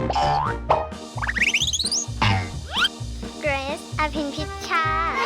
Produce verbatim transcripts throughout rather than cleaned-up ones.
เกรซอภินพิชชา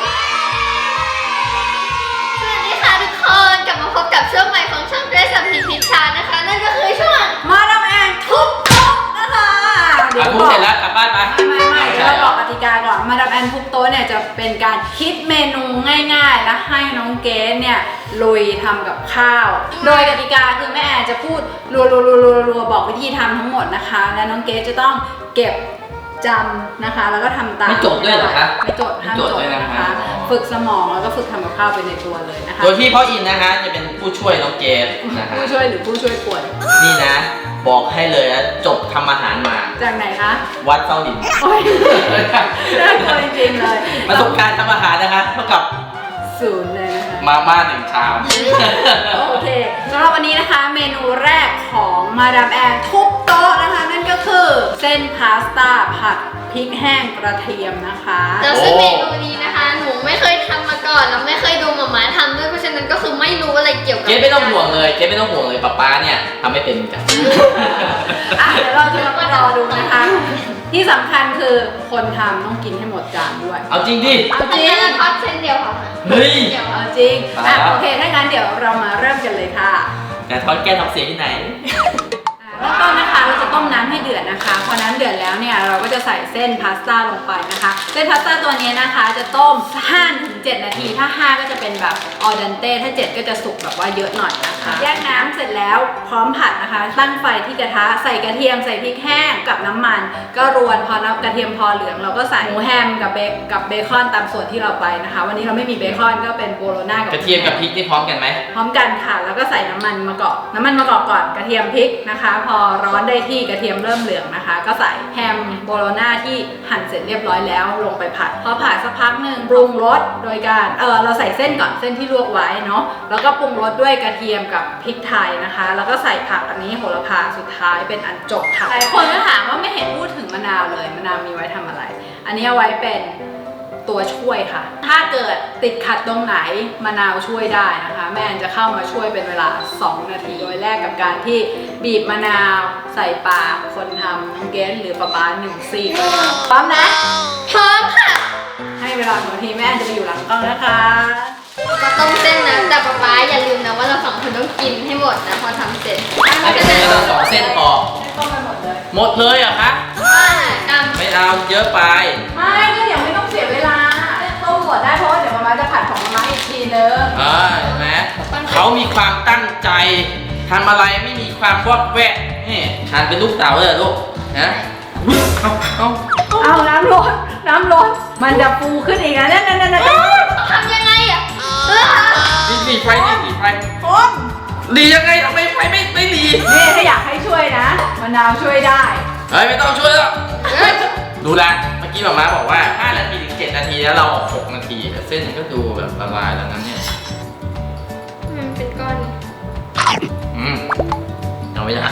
สวัสดีค่ะทุกคนกลับมาพบกับช่วงใหม่ของช่องเกรซอภินพิชชานะคะนั่นก็คือช่วงมาดามแอนทุบโต๊ะนะคะเดี๋ยวทุบเสร็จแล้วกลับบ้านไปไม่ไม่เดี๋ยวเราบอกกติกาก่อนมาดามแอนทุบโต๊ะเนี่ยจะเป็นการคิดเมนูง่ายๆและให้น้องเกสเนี่ยลุยทำกับข้าวโดยกติกาคือแม่แอนจะพูดรัวๆๆๆบอกวิธีทำทั้งหมดนะคะและน้องเกสจะต้องเก็บจำนะคะแล้วก็ทำตามไม่จดด้วยเหรอคะไม่จดห้ามจดนะคะฝึกสมองแล้วก็ฝึกทำกับข้าวไปในตัวเลยนะคะโดยที่พ่ออินนะคะจะเป็นผู้ช่วยน้องเกสนะคะผู้ช่วยหรือผู้ช่วยป่วยนี่นะบอกให้เลยนะจบทำอาหารมาจากไหนคะวัดเต้าดินโอ้ยน่ากลัวจริงๆเลยประสบการณ์ทำอาหารนะคะเท่ากับศูนย์เลยนะคะมาม่าหนึ่งชามโอเคสำหรับวันนี้นะคะเมนูแรกของมาดามแอนทุบโต๊ะนะคะนั่นก็คือเส้นพาสต้าผัดพริกแห้งกระเทียมนะคะแล้วซึ่งเมนูนี้นะคะหนูไม่เคยทำมาก่อนแล้วไม่เคยดูหม่าม้าทำด้วยเพราะฉะนั้นก็คือไม่รู้อะไรเกี่ยวกับเจ๊ไม่ต้องห่วงเลยเจ๊ไม่ต้องห่วงเลยป๊าป๊าเนี่ยทำไม่เป็นกันอ่ะเดี๋ยวเราจะมารอดูนะคะที่สำคัญคือคนทำต้องกินให้หมดจานด้วยเอาจริงดิเอาจริงทอดเส้นเดียวค่ะเฮ้ยเอาจริงอ่ะโอเคถ้างั้นเดี๋ยวเรามาเริ่มกันเลยค่ะแต่ทอดแก้ท้องเสียที่ไหนเริ่มต้นนะคะเราจะต้มน้ำให้เดือดนะคะพอน้ำเดือดแล้วเนี่ยเราก็จะใส่เส้นพาสต้าลงไปนะคะเส้นพาสต้าตัวนี้นะคะจะต้ม ห้าถึงเจ็ด นาทีถ้าห้าก็จะเป็นแบบออเดนเต้ถ้าเจ็ดก็จะสุกแบบว่าเยอะหน่อยนะคะแยกน้ำเสร็จแล้วพร้อมผัดนะคะตั้งไฟที่กระทะใส่กระเทียมใส่พริกแห้งกับน้ำมันก็รวนพอกระเทียมพอเหลืองเราก็ใส่หมูแฮมกับเบกับเบคอนตามส่วนที่เราไปนะคะวันนี้เราไม่มีเบคอนก็เป็นโบโลน่ากับกระเทียมกับพริกนี่พร้อมกันไหมพร้อมกันค่ะแล้วก็ใส่น้ำมันมะกอกน้ำมันมะกอกก่อนกระเทียมพริกนะคะพอร้อนได้ที่กระเทียมเริ่มเหลืองนะคะก็ใส่แฮมโบโลน่าที่หั่นเสร็จเรียบร้อยแล้วลงไปผัดพอผัดสักพักหนึ่งปรุงรสโดยการเออเราใส่เส้นก่อนเส้นที่ลวกไว้เนาะแล้วก็ปรุงรสด้วยกระเทียมกับพริกไทยนะคะแล้วก็ใส่ผักอันนี้โหระพาสุดท้ายเป็นอันจบค่ะหลายคนก็ถามว่าไม่เห็นพูดถึงมะนาวเลยมะนาวมีไว้ทำอะไรอันนี้เอาไว้เป็นตัวช่วยค่ะถ้าเกิดติดขัดตรงไหนมะนาวช่วยได้นะคะแม่จะเข้ามาช่วยเป็นเวลาสองนาทีโดยแรกกับการที่บีบมะนาวใส่ปากคนทำน้องเกสหรือป๊าป๊าหนึ่งซีกพร้อมนะพร้อมค่ะให้เวลาหนึ่งนาทีแม่จะไปอยู่หลังกล้องนะคะก็ต้มเส้นนะแต่ป๊าป๊าอย่าลืมนะว่าเราสองคนต้องกินให้หมดนะพอทำเสร็จไม่ใช่เราสองเส้นพอต้มไปหมดเลยหมดเลยเหรอคะไม่เอาเยอะไปไม่ก็เดี๋ยวไม่ต้องเสียเวลาต้มหมดได้เพราะว่าเดี๋ยวมาม่าจะผัดของมาม่าอีกทีนึงเออเห็นไหมเขามีความตั้งใจทำอะไรไม่มีความวอกแวกนี่ทานเป็นลูกเต๋าเลยลูกนะเอาเอาเอาน้ำร้อนน้ำร้อนมันจะฟูขึ้นอีกนะนั่นนั่นนั่นทำยังไงอ่ะดีดีไฟดีดีไฟคนดียังไงทำไมไฟไม่ไม่ดีนี่ถ้าอยากให้ช่วยนะมะนาวช่วยได้เฮ้ยไม่ต้องช่วยหรอกดูแลเมื่อกี้หม่าม้าบอกว่าห้านาทีถึงเจ็ดนาทีแล้วเราหกนาทีเส้นก็ดูแบบละลายแล้วนั้นเนี่ยมันเป็นก้อนอืมเอาไม่ได้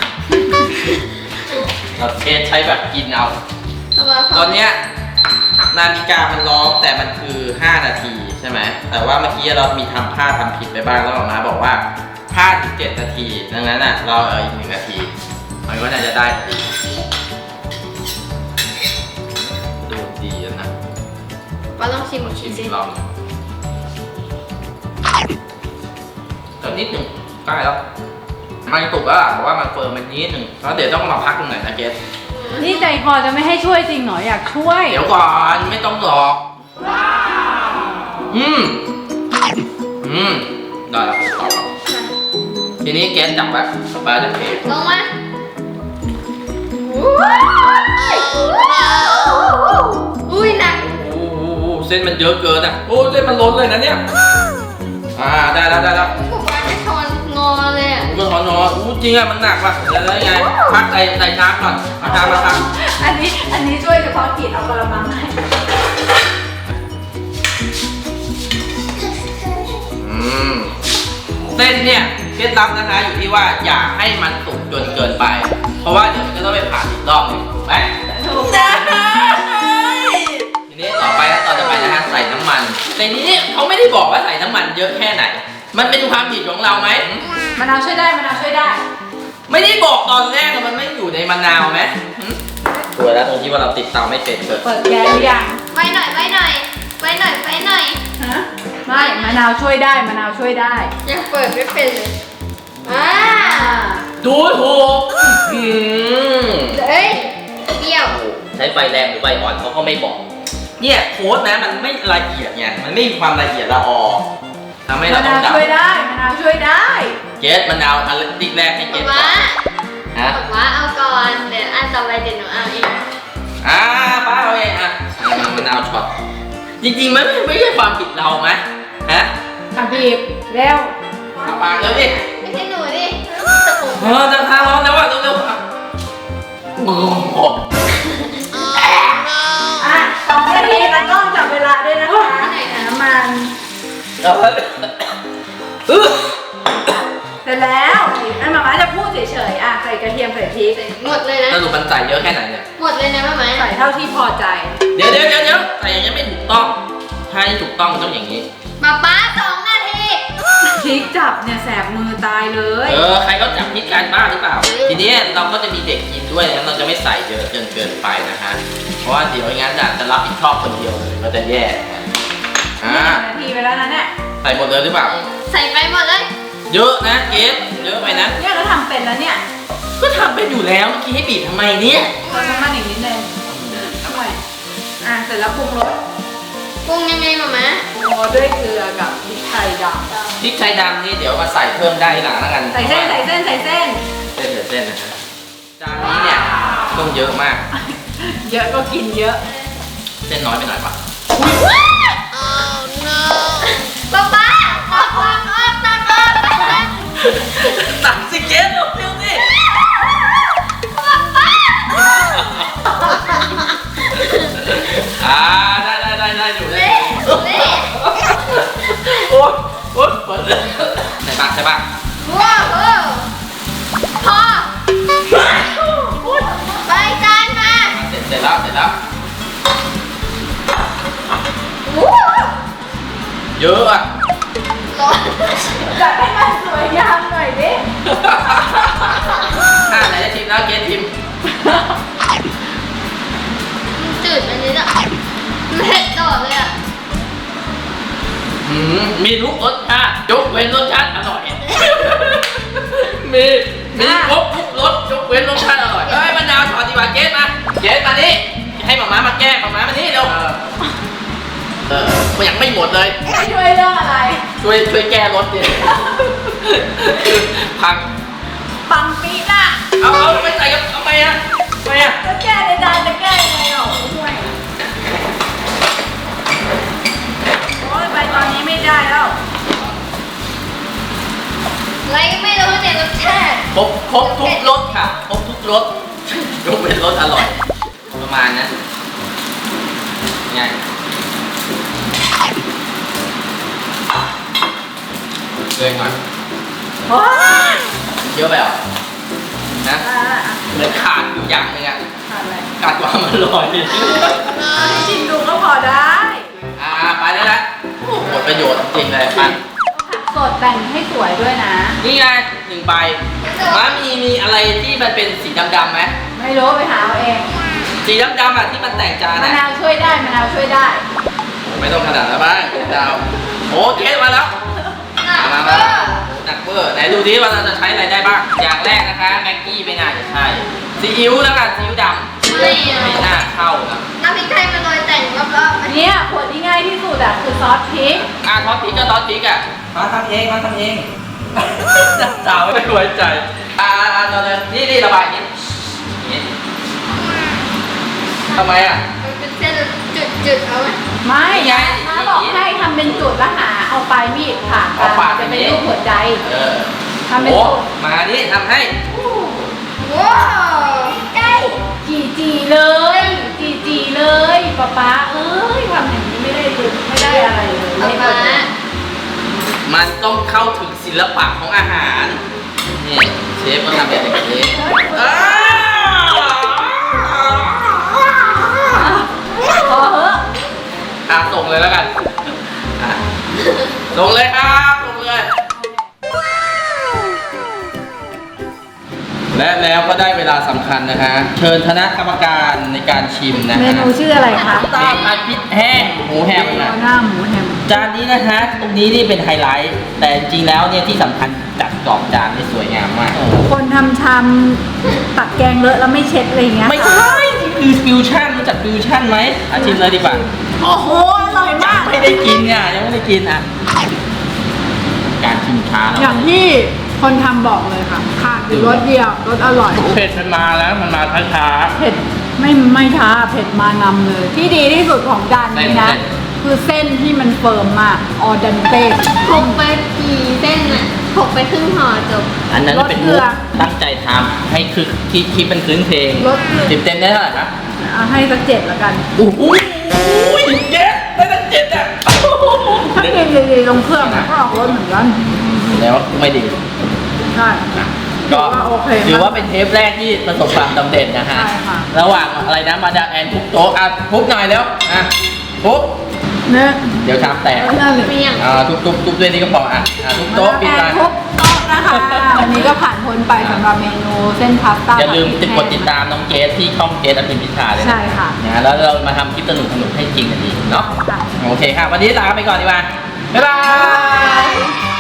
เราเทสใช้แบบกินเอาตอนเนี้ยนาฬิกามันร้องแต่มันคือห้านาทีใช่ไหมแต่ว่าเมื่อกี้เรามีทำพลาดทำผิดไปบ้างแล้วหม่าม้าบอกว่าพลาดถึงเจ็ดนาทีดังนั้นอ่ะเราเอาอีกหนึ่งนาทีมันก็น่าจะได้ดีดูดีแล้วนะว่าต้องชิมอีกทีสิลองก็นิดหนึ่งใกล้แล้วมันตุกแล้วเพราะว่ามันเฟิร์มมันนิดหนึ่งแล้วเดี๋ยวต้องมาพักตรงไหนนะเกสนี่ใจคอจะไม่ให้ช่วยจริงเหรออยากช่วยเดี๋ยวก่อนไม่ต้องหรอกอืมอืมได้แล้วต่อแล้วทีนี้เกสจับไว้ปลาจะเทลงมาอุ้ยหนักโอ้โหเส้นมันเยอะเกินอ่ะโอ้เส้นมันล้นเลยนะเนี่ยอ่าได้แล้วได้แล้วผมว่าไม่ทอนงอเลยอ่ะมันทอนงออู้จริงอ่ะมันหนักว่ะแล้วยังไงพักใส่ใส่น้ำก่อนมาทำมาทำอันนี้อันนี้ช่วยเฉพาะกิจเอากระมังให้อืมเส้นเนี่ยเคล็ดลับนะคะอยู่ที่ว่าอย่าให้มันสุกจนเกินไปเพราะว่าเดี๋ยวมันจะต้องไปผ่านอีกรอบนึงถูกไหมถูกได้ทีนี้ต่อไปแล้วต่อจะไปนะฮะใส่น้ำมันในนี้เขาไม่ได้บอกว่าใส่น้ำมันเยอะแค่ไหนมันเป็นความผิดของเราไหมมะนาวช่วยได้มะนาวช่วยได้ไม่ได้บอกตอนแรกมันไม่อยู่ในมะนาวไหมไวยแล้วตรงที่ว่าเราติดเตาไม่เป็นเกิดเปิดแก๊สหรือยังไว้หน่อยไว้หน่อยไว้หน่อยไว้หน่อยฮะไม่มะนาวช่วยได้มะนาวช่วยได้ยังเปิดไม่เป็นเลยอ่าดูถูกอืมเอ้ยเปรี้ยวใช้ไฟแรงหรือไฟอ่อนเขาก็ไม่บอก เนี่ยโค้ดนะมันไม่ละเอียดไงมันไม่มีความละเอียดละออทำให้มะเราต้นาอวงดับช่วยได้มะนาวช่วยได้เกสมะนาวอันติ๊กแรกให้เกป๊าสก่อป๊านฮะป๊าป๊าเอาก่อนเดี๋ยวอันต่อไปเดี๋ยวหนูเอาเองอ่าป้าเอาเองอ่ะมะนาวช็อตจริงๆมันไม่ไม่ใช่ความผิดเราไหมฮะอ่ะบีบเร็วเอาปากเร็วดิไม่ใช่หนูดิแต่ผมเออจะทาร้อนแล้วว่ะเร็วๆอ่ะโอ้โหอ่ะสองนาทีแล้วกล้องจับเวลาด้วยนะคะน้ำมันเอาเถอะอื้อเสร็จแล้วไอ้หมาม่าจะพูดเฉยๆอ่ะใส่กระเทียมใส่พริกหมดเลยนะสรุปมันใส่เยอะแค่ไหนเนี่ยหมดเลยนะแม่ไหมใส่เท่าที่พอใจเดี๋ยวเดี๋ยวเดี๋ยวเดี๋ยวใส่อย่างนี้ไม่ถูกต้องถ้าให้ถูกต้องต้องอย่างนี้ป๊าป๊าสองนาทีพริกจับเนี่ยแสบมือตายเลยเออใครเขาจับพิษการบ้าหรือเปล่า ทีนี้เราก็จะมีเด็กกินด้วยนะเราจะไม่ใส่เยอะจนเกินไปนะฮะเพราะว่าเดี๋ยวงั้นจะรับผิดชอบคนเดียวเลยมันจะแย่อ่านาทีไปแล้วนะเนี่ยใส่หมดเลยหรือเปล่าใส่ไปหมดเลยเยอะนะเกสเยอะไปนะเนี่ยก็ทำเป็นแล้วเนี่ยก็ทำเป็นอยู่แล้วเมื่อกี้ให้บีบทำไมเนี่ยเติมน้ำมันอีกนิดนึงช่วยอ่ะเสร็จแล้วปรุงรสปรุงยังไงหมามาปรุงรสด้วยเกลือกับพริกไทยดพริกไทยดำนี่เดี๋ยวมาใส่เพิ่มได้หลังแล้วกันำใส่เส้นใส่เส้นใส่เส้นเส้นเส้นนะฮะจานนี้เนี่ยต้องเยอะมากเยอะก็กินเยอะเส้นน้อยไปหน่อยปะป๊าป๊าออกออกออกตักออกตักออกตักสิเกสเร็วๆสิป๊าป๊าอ่าได้ได้ได้ได้อยู่ได้เละเละโอ๊ยโอ๊ยเปิดเลยใส่ปะใส่ปะว้าวเออพอไปจานมาเสร็จเสร็จแล้วเสร็จแล้ววู้เยอะอ่ะร้อนจัดให้มันสวยงามหน่อยดิอ่าไหนจะชิมแล้วเกสชิมมันจืดอันนี้อ่ะเผ็ดโดดเลยอ่ะหืมมีทุกรสชาติยกเว้นรสชาติอร่อย มีมีครบทุกรสยกเว้นรสชาติอร่อยเอ้ยมะนาวช็อตดีกว่าเกสมาเกสมานี่ให้หม่าม้ามาแก้หม่าม้ามานี่เร็วเออมันยังไม่หมดเลยไม่ช่วยเรื่องอะไรช่วยช่วยแก้รถดิ พังปังปีน่ะเอาเอาไม่ใส่กับเอาไปอ่ะไปอ่ะจะแก้ในจานจะแก้ยังไงหรอช่วยโอ้ยไปตอนนี้ไม่ได้แล้วอะไรก็ไม่รู้เนี่ยรสชาติครบครบทุกรสค่ะครบทุกรสยกเว้นรสอร่อย ประมาณนั้นง่ายเกินก่อนโอ้ยเยอะไปเหรอนะอ่ะอ่ะเหมือนขาดอยู่อย่างหนึงอ่ะขาดอะไรขาดความอร่อยเอาให้ชิมดูก็พอได้อ่าไปได้แล้วโอ้หมดประโยชน์จริงเลยปันผักสดแต่งให้สวยด้วยนะนี่ไงหนึ่งใบม้ามีมีอะไรที่มันเป็นสีดำๆไหมไม่รู้ไปหาเอาเองสีดำๆอ่ะที่มันแต่งจานมะอ่ะนาวช่วยได้มะนาวช่วยได้ไม่ต้องขนาดนั้นบ้างดาวโอเคมาแล้วหนักมาเวมาอร์หนักเบอร์ไหนดูดิว่าเราจะใช้อะไรได้บ้าง อย่างแรกนะคะแม็กกี้ไม่น่าจะใช่ซีอิ๊วแล้วกันซีอิ๊วดำไม่ไม่น่าเข้านะน้ำพริกไทยมาโรยแต่งรอบๆอันเนี้ยขวดที่ง่ายที่สุดอะคือซอสพริกอ่ะทอดพริกก็ทอดพริกอ่ะมาทำเองมาทำเองสาวไม่ไว้ใจอ่าอ่าเราเลยนี่นี่ระบายนิดนี่ทำไมอ่ะมันเป็นเส้นจุดๆเอาไหมไม่ไงน้าบอกให้ทำเป็นจุดแล้วหาเอาปลายมีดผ่านเอาปาดจะเป็นอย่างนี้รูปหัวใจเออทำเป็นโอ้จุดมานี่ทำให้ว้าวใกล้จีจีเลยจีจีเลยป๊าป๊าเอ้ยทำอย่างนี้ไม่ได้เลยไม่ได้อะไรเลยป๊าไม่ป๊าได้มันต้องเข้าถึงศิลปะของอาหารนี่เชฟก็ทำแบบนี้อ้าวพอเหอะอ่ะส่งเลยแล้วกันอ่ะส่งเลยครับส่งเลย และแล้วก็ได้เวลาสำคัญนะฮะเชิญคณะกรรมการในการชิมนะเมฮะนูชื่ออะไรคะตาผัดพริกแห้งหมูแฮมโบโลนะน่าหมูแฮมจานนี้นะฮะตรงนี้นี่เป็นไฮไลท์ แต่จริงๆแล้วเนี่ยที่สำคัญจัดกรอบจานได้สวยงามมากคนทำชามตักแกงเลอะแล้วไม่เช็ดอะไรอย่างเงี้ยไม่ใช่นี่คือฟิวชั่นรู้จักฟิวชั่นไหมอาชิมเลยดีกว่าโอ้โหอร่อยมากไม่ได้กินอ่ะยังไม่ได้กินอ่ะการชิมช้าอแล้ย่าว งที่คนทำบอกเลยค่ะขาดอยู่รสเดียวรสอร่อยเผ็ดมันมาแล้วมันมาช้าเผ็ดไม่ไม่ช้าเผ็ดมานำเลย ที่ดีที่สุดของจานนี้นะเส้นคือเส้นที่มันเฟิร์มมากออดันเต้ถกไปกี่เส้นน่ะถกไปครึ่งห่อจบๆอันนั้นเป็นรสเกลืมุกอตั้งใจทำให้คือที่คลิปเป็นคืนเพลงรสเกลือสิบเต็มได้เท่าไหร่ครับเอาให้สักเจ็ดละกันโอ้โหเจ็ดได้ตั้งเจ็ดอ่ะถ้ากินดีๆลงเครื่องก็ออกรสเหมือนกันแล้วไม่ดีใช่ก็ถือว่าโอเคถือว่าเป็นเทปแรกที่ประสบความสำเร็จนะฮะใช่ค่ะระหว่างอะไรนะมาดามแอนทุบโต๊ะอ่ะทุบหน่อยแล้วอ่ะทุบเนื้อเดี๋ยวชามแตกนั่นเลยเมี่ยงอ่าทุบทุบทุบด้วยนี่ก็พออ่ะอ่ะทุบโต๊ะปิดแอไปนทุบโต๊ะนะคะวันนี้ก็ผ่านพ้นไปสำหรับเมนูเส้นพาสต้าอย่าลืมติดกดติดตามน้องเกสที่ช่องเกสอภินพิชาเลยนะใช่ค่ะนะแล้วเรามาทำคลิปสนุกสนุกๆให้จริงกันดีเนาะค่ะโอเคค่ะ วันนี้ลาไปก่อนดีกว่า บ๊ายบาย